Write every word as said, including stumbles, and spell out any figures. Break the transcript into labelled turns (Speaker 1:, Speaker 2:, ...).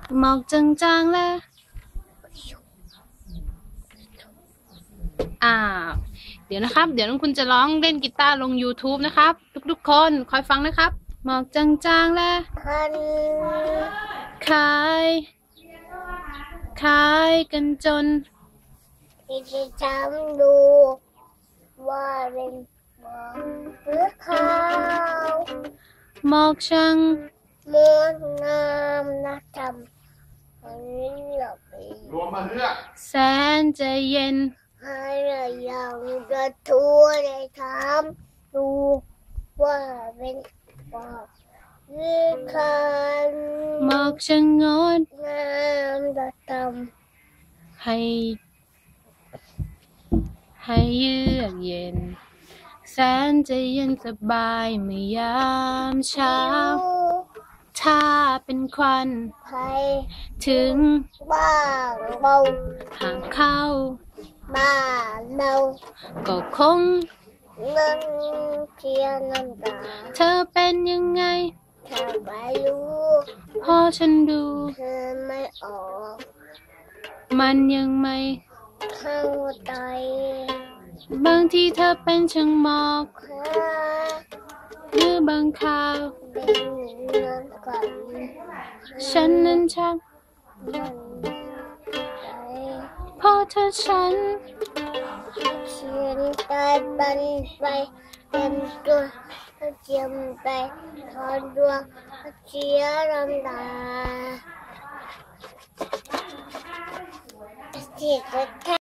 Speaker 1: หมอกจางๆแล้วอ่าเดี๋ยวนะครับเดี๋ยวน้องคุณจะร้องเล่นกีตาร์ลง ยูทูบ นะครับทุกๆคนคอยฟังนะครับหมอกจางๆแล้วขายขายกันจน
Speaker 2: ที่จะทำดูว่าเป็นหมอกหรือขาว
Speaker 1: หมอกช่าง
Speaker 2: เมืองงามนักทำอันนี้หลับไป
Speaker 3: รวมมาเพื่อ
Speaker 1: แสนจะเย็น
Speaker 2: ให้เรายังจะทั่วได้ถามดูว่าเป็นหมอกหรือขาว
Speaker 1: หมอกช่างงด
Speaker 2: งามนักท
Speaker 1: ำให้ให้เยือกเย็นแสนจะเย็นสบายเมื่อยามเช้าถ้าเป็นควันถึง
Speaker 2: บ้างเบา
Speaker 1: ห่างเข้า
Speaker 2: บ้านเรา
Speaker 1: ก็คง
Speaker 2: นั่งเทียนน้ำตา
Speaker 1: เธอเป็นยังไง
Speaker 2: เธอไม่รู้
Speaker 1: พอฉันดู
Speaker 2: เธอไม่ออก
Speaker 1: มันยังไม่
Speaker 2: เข้าใจ
Speaker 1: บางทีเธอเป็นช่างหมอกหรือบางคราวฉันนั้นช่างพอเธอฉัน
Speaker 2: เขียนตายบันไปเต็มตัวเจียมไปทอดดวงเชียน้ำตาเสีย